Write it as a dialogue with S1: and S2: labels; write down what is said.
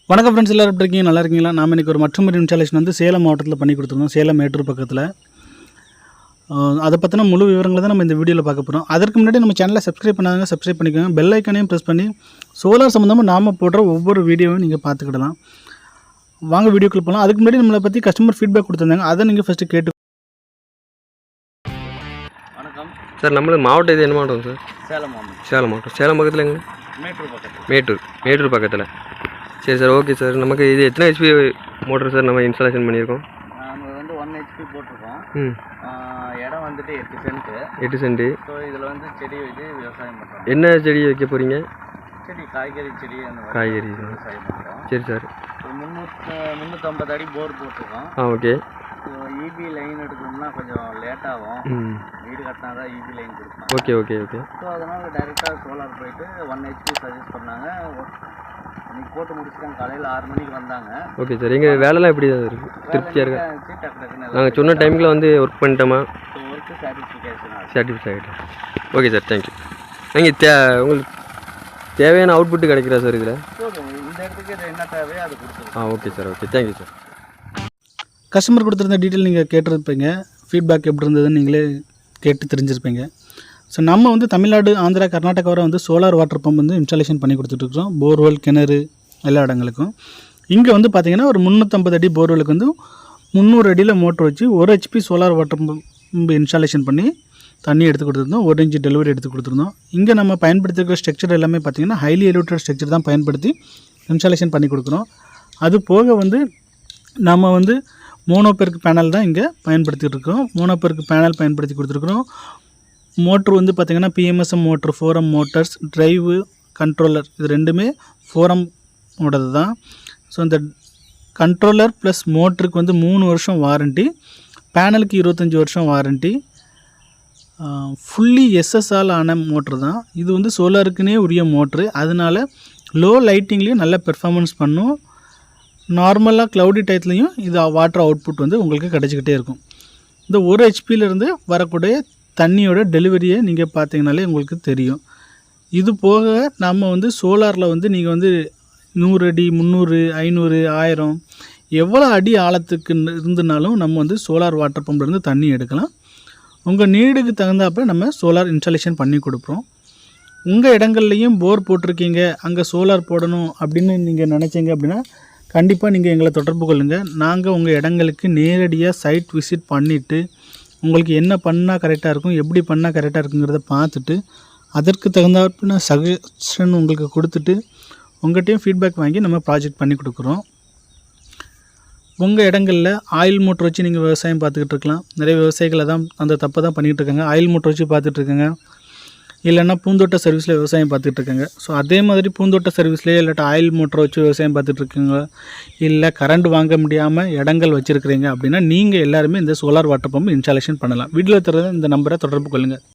S1: வணக்கம் ஃப்ரெண்ட்ஸ், எல்லாரும் எப்படி இருக்கீங்க? நல்லா இருக்கீங்களா? நாம் இன்றைக்கி ஒரு மற்றொரு இன்ஸ்டாலேஷன் வந்து சேலம் மாவட்டத்தில் பண்ணி கொடுத்துருந்தோம். சேலம் மேட்டூர் பக்கத்தில். அதை பற்றின முழு விவரங்களை தான் நம்ம இந்த வீடியோவில் பார்க்க போகிறோம். அதற்கு முன்னாடி நம்ம சேனலை சப்ஸ்கிரைப் பண்ணாங்க, சப்ஸ்கிரைப் பண்ணிக்கோங்க. பெல் ஐக்கானையும் ப்ரெஸ் பண்ணி சோலார் சம்மந்தமாக நாம் போடுற ஒவ்வொரு வீடியோவும் நீங்கள் பார்த்துக்கிடலாம். வாங்க வீடியோக்குள்ள போகலாம். அதுக்கு முன்னாடி நம்மளை பற்றி கஸ்டமர் ஃபீட்பேக் கொடுத்துருந்தாங்க, அதை நீங்கள் ஃபஸ்ட்டு கேட்டு.
S2: வணக்கம்
S3: சார், நம்மளுக்கு மாவட்டம் இது என்ன மாவட்டம் சார்?
S2: சேலம் மாவட்டம்.
S3: சேலம் மாவட்டம். சேலம் பக்கத்தில் எங்கே? மேட்டூர் பக்கத்தில். சரி சார், ஓகே சார். நமக்கு இது எத்தனை ஹெச்பி மோட்டர் சார் நம்ம இன்ஸ்டாலேஷன் பண்ணியிருக்கோம்?
S2: நம்ம வந்து 1 HP போட்டிருக்கோம். இடம் வந்துட்டு 8 சென்ட்டு. ஸோ இதில் வந்து செடி வச்சு விவசாயம் பண்ணுறோம்.
S3: என்ன செடி வைக்க போகிறீங்க?
S2: செடி காய்கறி செடி.
S3: காய்கறி
S2: விவசாயம் பண்ணுறோம்.
S3: சரி சார்.
S2: 350 அடி போர் போட்டிருக்கோம்.
S3: ஓகே.
S2: இபி லைன் எடுக்கணும்னா கொஞ்சம் லேட்டாகும். வீடு கட்டினா தான் இபி லைன் கொடுப்போம்.
S3: ஓகே.
S2: ஸோ அதனால் டைரெக்டாக சோலார் போயிட்டு 1 HP சஜஸ்ட் பண்ணாங்க. இன்னைக்கு போட்டு முடிச்சுட்டாங்க. காலையில் 6 மணிக்கு வந்தாங்க.
S3: Okay sir. எங்கள் வேலைலாம் எப்படி தான் இருக்குது? திருப்தியாக இருக்கா?
S2: டக்குன்னு
S3: நாங்கள் சொன்ன டைமில் வந்து ஒர்க் பண்ணிட்டோமா?
S2: Work satisfaction.
S3: Satisfied. Okay sir, thank you. நீங்கள் உங்களுக்கு தேவையான அவுட்புட்டு கிடைக்கிறா சார் இதில்?
S2: இந்த இடத்துக்கு என்ன தேவையோ அது கொடுத்துருவோம்.
S3: Okay sir, okay, thank you sir.
S1: Customer கொடுத்துருந்த டீட்டெயில் நீங்கள் கேட்டிருப்பீங்க. ஃபீட்பேக் எப்படி இருந்ததுன்னு நீங்களே கேட்டு தெரிஞ்சிருப்பீங்க. ஸோ நம்ம வந்து தமிழ்நாடு, ஆந்திரா, கர்நாடகா வரை வந்து சோலார் வாட்டர் பம்ப் வந்து இன்ஸ்டாலேஷன் பண்ணி கொடுத்துட்ருக்கோம். போர்வெல், கிணறு எல்லா இடங்களுக்கும். இங்கே வந்து பார்த்திங்கன்னா ஒரு 350 அடி போர்வெலுக்கு வந்து 300 அடியில் மோட்டர் வச்சு 1 HP solar water pump installation பண்ணி தண்ணி எடுத்து கொடுத்துருந்தோம். 1 இன்ச் டெலிவரி எடுத்து கொடுத்துருந்தோம். இங்கே நம்ம பயன்படுத்திருக்கிற ஸ்ட்ரக்சர் எல்லாமே பார்த்திங்கன்னா ஹைலி எலிவேட்டட் ஸ்ட்ரக்சர் தான் பயன்படுத்தி இன்ஸ்டாலேஷன் பண்ணி கொடுக்குறோம். அது போக வந்து நம்ம வந்து மோனோபெருக்கு பேனல் தான் இங்கே பயன்படுத்திகிட்டு இருக்கோம். மோனோபெருக்கு பேனல் பயன்படுத்தி கொடுத்துருக்குறோம். மோட்ரு வந்து பார்த்திங்கன்னா PMSM motor, 4M motors, drive, controller, இது ரெண்டுமே 4M ஓடது தான். ஸோ இந்த கண்ட்ரோலர் ப்ளஸ் மோட்டருக்கு வந்து 3 வருஷம் வாரண்ட்டி, பேனலுக்கு 25 வருஷம் வாரண்ட்டி. ஃபுல்லி SSஆல் ஆன மோட்ரு தான் இது. வந்து சோலாருக்குனே உரிய மோட்ரு. அதனால் லோ லைட்டிங்லேயும் நல்ல பெர்ஃபார்மன்ஸ் பண்ணும். நார்மலாக க்ளவுடி டயத்துலையும் இது வாட்டர் அவுட்புட் வந்து உங்களுக்கு கிடச்சிக்கிட்டே இருக்கும். இந்த 1 HPயிலேருந்து வரக்கூடிய தண்ணியோட டெலிவரியை நீங்கள் பார்த்தீங்கனாலே உங்களுக்கு தெரியும். இது போக நம்ம வந்து சோலாரில் வந்து நீங்கள் வந்து 100 அடி, 300, 500, 1000 எவ்வளோ அடி ஆழத்துக்கு இருந்துனாலும் நம்ம வந்து சோலார் வாட்டர் பம்ப்லேருந்து தண்ணி எடுக்கலாம். உங்கள் நீடுக்கு தகுந்தாப்போ நம்ம சோலார் இன்ஸ்டாலேஷன் பண்ணி கொடுப்போம். உங்கள் இடங்கள்லையும் போர் போட்டிருக்கீங்க, அங்கே சோலார் போடணும் அப்படின்னு நீங்கள் நினச்சிங்க அப்படின்னா கண்டிப்பாக நீங்கள் எங்களை தொடர்பு கொள்ளுங்கள். நாங்கள் உங்கள் இடங்களுக்கு நேரடியாக சைட் விசிட் பண்ணிவிட்டு உங்களுக்கு என்ன பண்ணால் கரெக்டாக இருக்கும், எப்படி பண்ணால் கரெக்டாக இருக்குங்கிறத பார்த்துட்டு அதற்கு தகுந்தாப்புல சஜஷன் உங்களுக்கு கொடுத்துட்டு உங்கள்கிட்டையும் ஃபீட்பேக் வாங்கி நம்ம ப்ராஜெக்ட் பண்ணி கொடுக்குறோம். உங்கள் இடங்களில் ஆயில் மோட்டர் வச்சு நீங்கள் விவசாயம் பார்த்துக்கிட்டு இருக்கலாம். நிறைய விவசாயிகளை தான் அந்த தப்பை தான் பண்ணிகிட்டு இருக்காங்க. ஆயில் மோட்டர் வச்சு பார்த்துட்ருக்காங்க, இல்லைன்னா பூந்தோட்ட சர்வீஸில் விவசாயம் பார்த்துட்ருக்காங்க. ஸோ அதே மாதிரி பூந்தோட்ட சர்வீஸ்லேயே இல்லாட்டா ஆயில் மோட்டரை வச்சு விவசாயம் பார்த்துட்ருக்குங்க, இல்லை கரண்ட் வாங்க முடியாமல் இடங்கள் வச்சுருக்கிறீங்க அப்படின்னா நீங்கள் எல்லாருமே இந்த சோலார் வாட்டர் பம்ப் இன்ஸ்டாலேஷன் பண்ணலாம். வீட்டில் தர இந்த நம்பரை தொடர்பு கொள்ளுங்கள்.